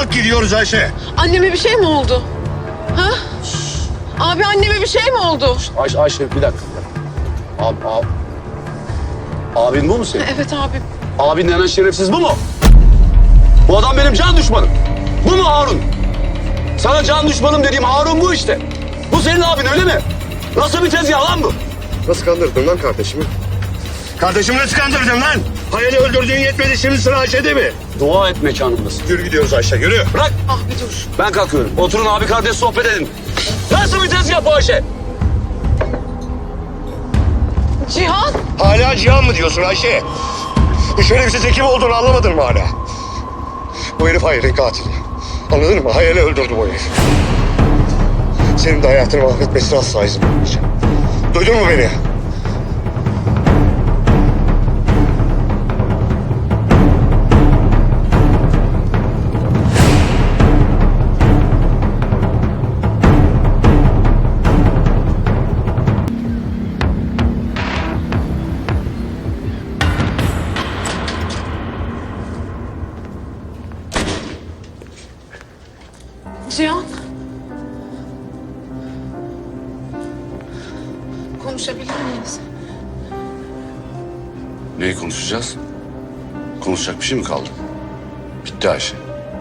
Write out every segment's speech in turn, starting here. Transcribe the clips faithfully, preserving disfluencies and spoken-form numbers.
Kalk gidiyoruz Ayşe. Anneme bir şey mi oldu? Ha? Abi anneme bir şey mi oldu? Ayşe, Ayşe bir dakika. Abi, abi. Abin bu mu senin? Evet abi. Abin denen şerefsiz bu mu? Bu adam benim can düşmanım. Bu mu Harun? Sana can düşmanım dediğim Harun bu işte. Bu senin abin öyle mi? Nasıl bir tezgah lan bu? Nasıl kandırdın lan kardeşimi? Kardeşimi nasıl kandırdın lan? Hayali öldürdüğün yetmedi, şimdi sıra Ayşe'de mi? Dua et mekanımdasın. Yürü gidiyoruz Ayşe, yürü. Bırak. Abi dur. Ben kalkıyorum. Oturun abi kardeş sohbet edin. Nasıl bir tezgah bu Ayşe? Cihan. Hala Cihan mı diyorsun Ayşe? Bu şerefsiz kim olduğunu anlamadın mı hala? Bu herif Hayal'in katili. Anladın mı? Hayal'i öldürdü bu herif. Senin de hayatını mahvetmesine asla izin vermeyeceğim. Duydun mu beni? Cihan. Konuşabilir miyiz? Neyi konuşacağız? Konuşacak bir şey mi kaldı? Bitti Ayşe.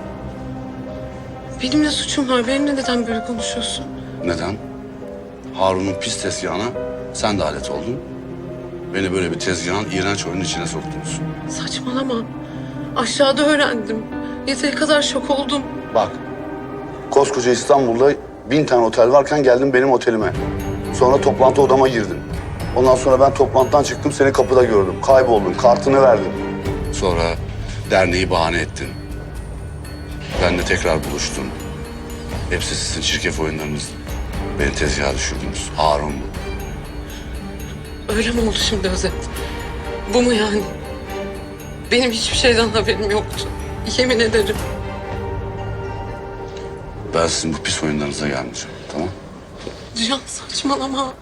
Benim ne suçum var? Benimle neden böyle konuşuyorsun? Neden? Harun'un pis tezgahına sen de alet oldun. Beni böyle bir tezgahın iğrenç oyunun içine soktunuz. Saçmalama. Aşağıda öğrendim. Yeteri kadar şok oldum. Bak, koskoca İstanbul'da bin tane otel varken geldin benim otelime. Sonra toplantı odama girdin. Ondan sonra ben toplantıdan çıktım, seni kapıda gördüm. Kayboldun, kartını verdin. Sonra derneği bahane ettin. Benle tekrar buluştun. Hepsi sizin çirkef oyunlarınız. Beni tezgaha düşürdünüz. Harun bu. Öyle mi oldu şimdi Özet? Bu mu yani? Benim hiçbir şeyden haberim yoktu. Yemin ederim. Ben sizin bu pis oyunlarınıza gelmeyeceğim, tamam? Cihan saçmalama.